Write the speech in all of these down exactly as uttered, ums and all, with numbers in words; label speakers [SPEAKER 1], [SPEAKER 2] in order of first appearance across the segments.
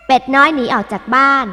[SPEAKER 1] เป็ดน้อยหนีออกจากบ้าน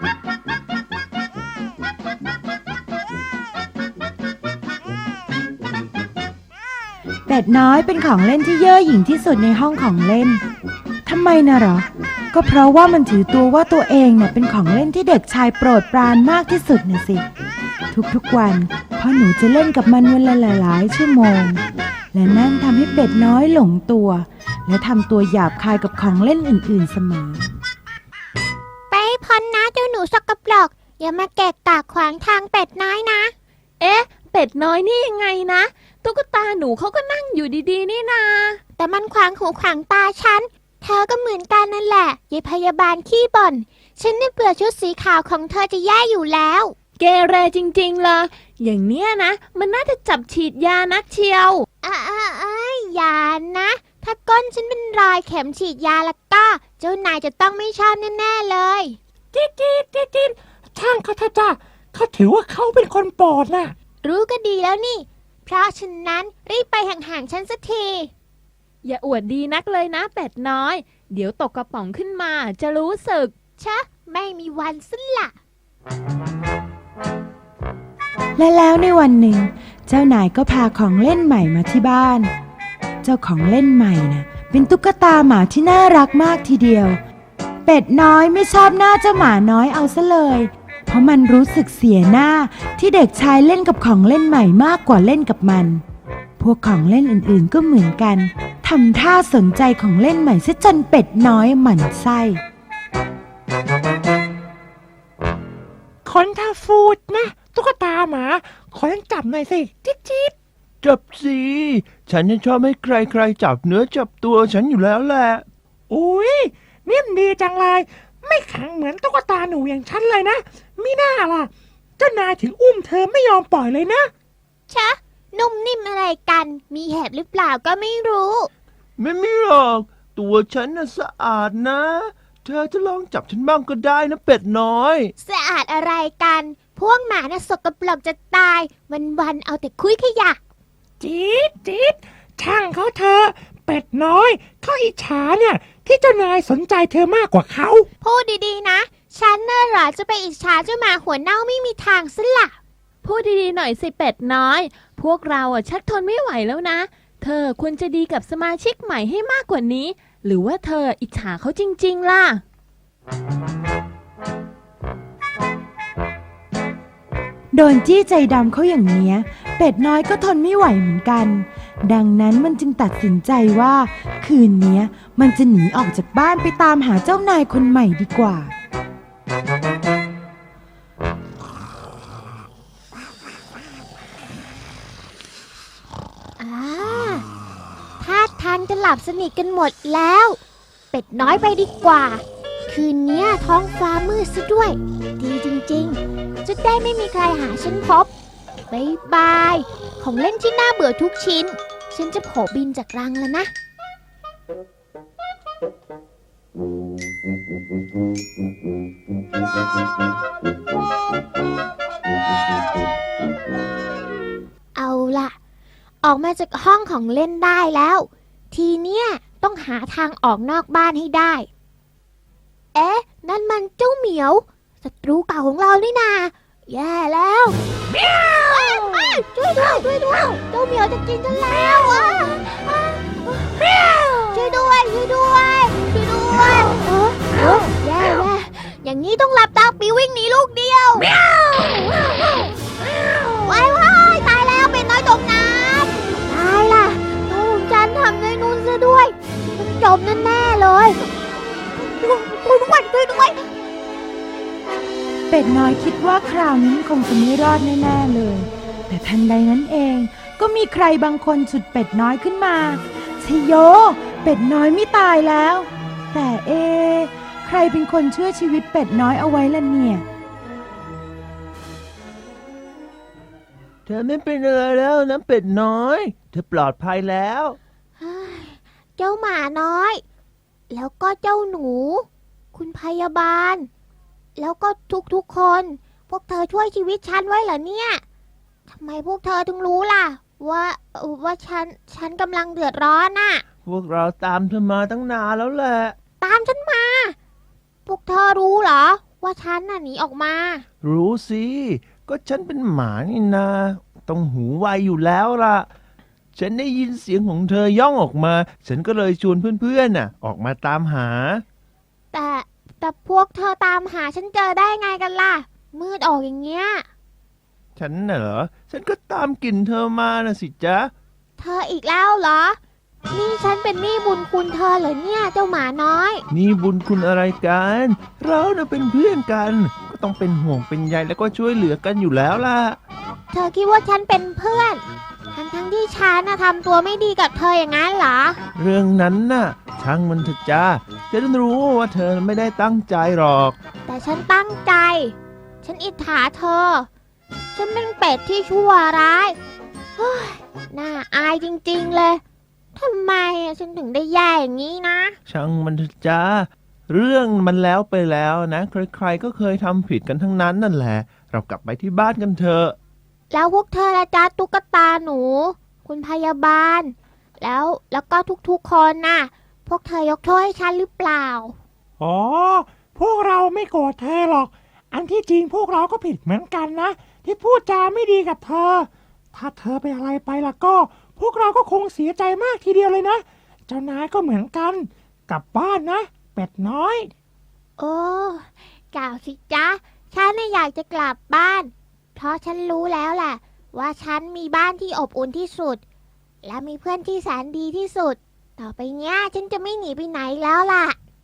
[SPEAKER 2] เป็ดน้อยเป็นของเล่นที่เย่อหยิ่งที่สุดในห้องของเล่นทำไมนะหรอก็เพราะว่ามันถือตัวว่าตัวเองเนี่ยเป็นของเล่นที่เด็กชายโปรดปรานมากที่สุดนะสิทุกๆวันพ่อหนูจะเล่นกับมันวันละหลายๆชั่วโมงและนั่นทำให้เป็ดน้อยหลงตัวและทำตัวหยาบคายกับของเล่นอื่นๆเสมอ
[SPEAKER 3] ไปพ้นนะเจ้าหนูสกปรกอย่ามาแกะกะขวางทางเป็ดน้อยนะ
[SPEAKER 4] เอ๊ะเป็ดน้อยนี่ยังไงนะตุ๊กตาหนูเขาก็นั่งอยู่ดีๆนี่นา
[SPEAKER 3] แต่มันขวางหูขวางตาฉันเธอก็เหมือนกันนั่นแหละยายพยาบาลขี้บ่นฉันเนี่ยเบื่อชุดสีขาวของเธอจะแย่อยู่แล้ว
[SPEAKER 4] เกเรจริงๆเลยอย่างเนี้ยนะมันน่าจะจับฉีดยานักเชียว
[SPEAKER 3] อ่าอ่าอย่านะถ้าก้นฉันเป็นรอยเข็มฉีดยาแล้วก็เจ้านายจะต้องไม่ชอบแน่ๆเลย
[SPEAKER 5] จี๊ดจี๊ดจี๊ดจี๊ดช่างเขาเถอะจ้ะเขาถือว่าเขาเป็นคนโปรดน่ะ
[SPEAKER 3] รู้ก็ดีแล้วนี่เพราะฉะนั้นรีบไปห่างๆฉันสักที
[SPEAKER 4] อย่าอวดดีนักเลยนะเป็ดน้อยเดี๋ยวตกกระป๋องขึ้นมาจะรู้สึก
[SPEAKER 3] ชะไม่มีวันสิ้นละ
[SPEAKER 2] และแล้วในวันหนึ่งเจ้านายก็พาของเล่นใหม่มาที่บ้านเจ้าของเล่นใหม่นะเป็นตุ๊กตาหมาที่น่ารักมากทีเดียวเป็ดน้อยไม่ชอบหน้าเจ้าหมาน้อยเอาซะเลยเพราะมันรู้สึกเสียหน้าที่เด็กชายเล่นกับของเล่นใหม่มากกว่าเล่นกับมันพวกของเล่นอื่นๆก็เหมือนกันทำท่าสนใจของเล่นใหม่ซะจนเป็ดน้อยหมั่นไส้
[SPEAKER 5] คนท่าฟูดนะตุ๊กตาหมาขอเล่นจับหน่อยสิจิ๊ดจิ๊ด
[SPEAKER 6] จับสิฉันยังชอบให้ใครๆจับเนื้อจับตัวฉันอยู่แล้วแหละ
[SPEAKER 5] อุ้ยนิ่มดีจังเลยไม่แข็งเหมือนตุ๊กตาหนูอย่างฉันเลยนะมิน่าล่ะเจ้านายถึงอุ้มเธอไม่ยอมปล่อยเลยนะ
[SPEAKER 3] ชะนุ่มนิ่มอะไรกันมีแหบหรือเปล่าก็ไม่รู้
[SPEAKER 6] ไม่มีหรอกตัวฉันน่ะสะอาดนะเธอจะลองจับฉันบ้างก็ได้นะเป็ดน้อย
[SPEAKER 3] สะอาดอะไรกันพวกหมาน่ะสกปรกจะตายวันๆเอาแต่คุยขยะ
[SPEAKER 5] จี๊ดจี๊ดช่างเขาเธอเป็ดน้อยเขาอิจฉาเนี่ยที่เจ้านายสนใจเธอมากกว่าเขา
[SPEAKER 3] พูดดีๆนะฉันน่ะเหรอจะไปอิจฉาเจ้าหมาหัวเน่าไม่มีทางซะละ
[SPEAKER 4] พูดดีๆหน่อยสิเป็ดน้อยพวกเราอ่ะชักทนไม่ไหวแล้วนะเธอควรจะดีกับสมาชิกใหม่ให้มากกว่านี้หรือว่าเธออิจฉาเขาจริงๆล่ะ
[SPEAKER 2] โดนจี้ใจดำเขาอย่างเนี้ยเป็ดน้อยก็ทนไม่ไหวเหมือนกันดังนั้นมันจึงตัดสินใจว่าคืนนี้มันจะหนีออกจากบ้านไปตามหาเจ้านายคนใหม่ดีกว่า
[SPEAKER 3] ท่าทางจะหลับสนิทกันหมดแล้วเป็ดน้อยไปดีกว่าคืนนี้ท้องฟ้ามืดซะด้วยดีจริงๆจะได้ไม่มีใครหาฉันพบบ๊ายบายของเล่นที่น่าเบื่อทุกชิ้นฉันจะโผล่บินจากรังแล้วนะเอาล่ะออกมาจากห้องของเล่นได้แล้วทีเนี้ยต้องหาทางออกนอกบ้านให้ได้เอ๊ะนั่นมันเจ้าเหมียวศัตรูเก่าของเรานี่นาแย่แล้วเมียวช่วยด้วยช่วยด้วยเจ้าเหมียวจะกินฉันแล้วอ่ะเมียวช่วยด้วยช่วยด้วยช่วยด้วยเออเออแย่แย่อย่างนี้ต้องหลับตาปีวิ่งหนีลูกเดียวเมียวว้ายว้ายตายแล้วเป็นน้อยจมน้ำตายล่ะลูกฉันทำในนู้นซะด้วยมันจมแน่ๆเลยช่วยด้วยช่วยด้วย
[SPEAKER 2] เป็ดน้อยคิดว่าคราวนี้คงจะไม่รอดแน่ๆเลยแต่ทันใดนั้นเองก็มีใครบางคนฉุดเป็ดน้อยขึ้นมาชโยเป็ดน้อยไม่ตายแล้วแต่เอใครเป็นคนช่วยชีวิตเป็ดน้อยเอาไว้ล่ะเนี่ย
[SPEAKER 6] เธอไม่เป็นอะไรแล้วนะเป็ดน้อยเธอปลอดภัยแล้ว
[SPEAKER 3] เจ้าหมาน้อยแล้วก็เจ้าหนูคุณพยาบาลแล้วก็ทุกๆคนพวกเธอช่วยชีวิตฉันไว้เหรอเนี่ยทำไมพวกเธอถึงรู้ล่ะว่าว่าฉันฉันกำลังเดือดร้อนน่ะ
[SPEAKER 6] พวกเราตามเธอมาตั้งนานแล้วแหละ
[SPEAKER 3] ตามฉันมาพวกเธอรู้เหรอ ว่าฉันน่ะหนีออกมา
[SPEAKER 6] รู้สิ ก็ฉันเป็นหมานี่นาต้องหูไวอยู่แล้วล่ะ ฉันได้ยินเสียงของเธอย่องออกมา ฉันก็เลยชวนเพื่อนๆน่ะ ออกมาตามหา
[SPEAKER 3] แต่แต่พวกเธอตามหาฉันเจอได้ไงกันล่ะ มืดออกอย่างเงี้ย
[SPEAKER 6] ฉันน่ะเหรอ ฉันก็ตามกลิ่นเธอมาน่ะสิจ๊ะ
[SPEAKER 3] เธออีกแล้วเหรอ นี่ฉันเป็นหนี้บุญคุณเธอเหรอเนี่ยเจ้าหมาน้อย
[SPEAKER 6] นี่บุญคุณอะไรกัน เราน่ะเป็นเพื่อนกัน ก็ต้องเป็นห่วงเป็นใยแล้วก็ช่วยเหลือกันอยู่แล้วล่ะ
[SPEAKER 3] เธอคิดว่าฉันเป็นเพื่อน ทั้งทั้งๆที่ฉันน่ะทำตัวไม่ดีกับเธออย่างนั้นเหรอ
[SPEAKER 6] เรื่องนั้นน่ะ ช่างมันเถอะจ้าฉันรู้ว่าเธอไม่ได้ตั้งใจหรอก
[SPEAKER 3] แต่ฉันตั้งใจ ฉันอิจฉาเธอ ฉันเป็นเป็ดที่ชั่วร้ายเฮ้ยน่าอายจริงๆเลย ทำไมอะฉันถึงได้แย่อย่างนี้นะ
[SPEAKER 6] ช่างมันเถอะจ้าเรื่องมันแล้วไปแล้วนะใครๆก็เคยทำผิดกันทั้งนั้นนั่นแหละ เรากลับไปที่บ้านกันเถอะ
[SPEAKER 3] แล้วพวกเธอละจ๊ะตุ๊กตาหนู คุณพยาบาล แล้วแล้วก็ทุกๆคนน่ะ พวกเธอยกโทษให้ฉันหรือเปล่า
[SPEAKER 5] อ๋อ พวกเราไม่โกรธเธอหรอก อันที่จริงพวกเราก็ผิดเหมือนกันนะ ที่พูดจาไม่ดีกับเธอ ถ้าเธอเป็นอะไรไปล่ะก็ พวกเราก็คงเสียใจมากทีเดียวเลยนะ เจ้านายก็เหมือนกัน กลับบ้านนะ เป็ดน้อย
[SPEAKER 3] โอ้กล่าวสิจ๊ะ ฉันน่ะอยากจะกลับบ้าน เพราะฉันรู้แล้วแหละว่าฉันมีบ้านที่อบอุ่นที่สุด และมีเพื่อนที่แสนดีที่สุด ต่อไปเนี้ยฉันจะไม่หนีไปไหนแล้วล่ะ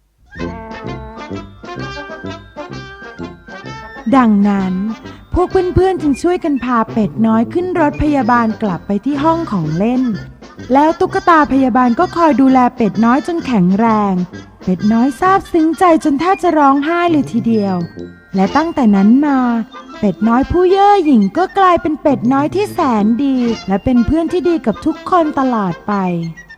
[SPEAKER 2] ดังนั้นพวกเพื่อนๆจึงช่วยกันพาเป็ดน้อยขึ้นรถพยาบาลกลับไปที่ห้องของเล่น แล้วตุ๊กตาพยาบาลก็คอยดูแลเป็ดน้อยจนแข็งแรง เป็ดน้อยซาบซึ้งใจจนแทบจะร้องไห้เลยทีเดียว และตั้งแต่นั้นมาเป็ดน้อยผู้เย่อหยิ่งก็กลายเป็นเป็ดน้อยที่แสนดี และเป็นเพื่อนที่ดีกับทุกคนตลอดไป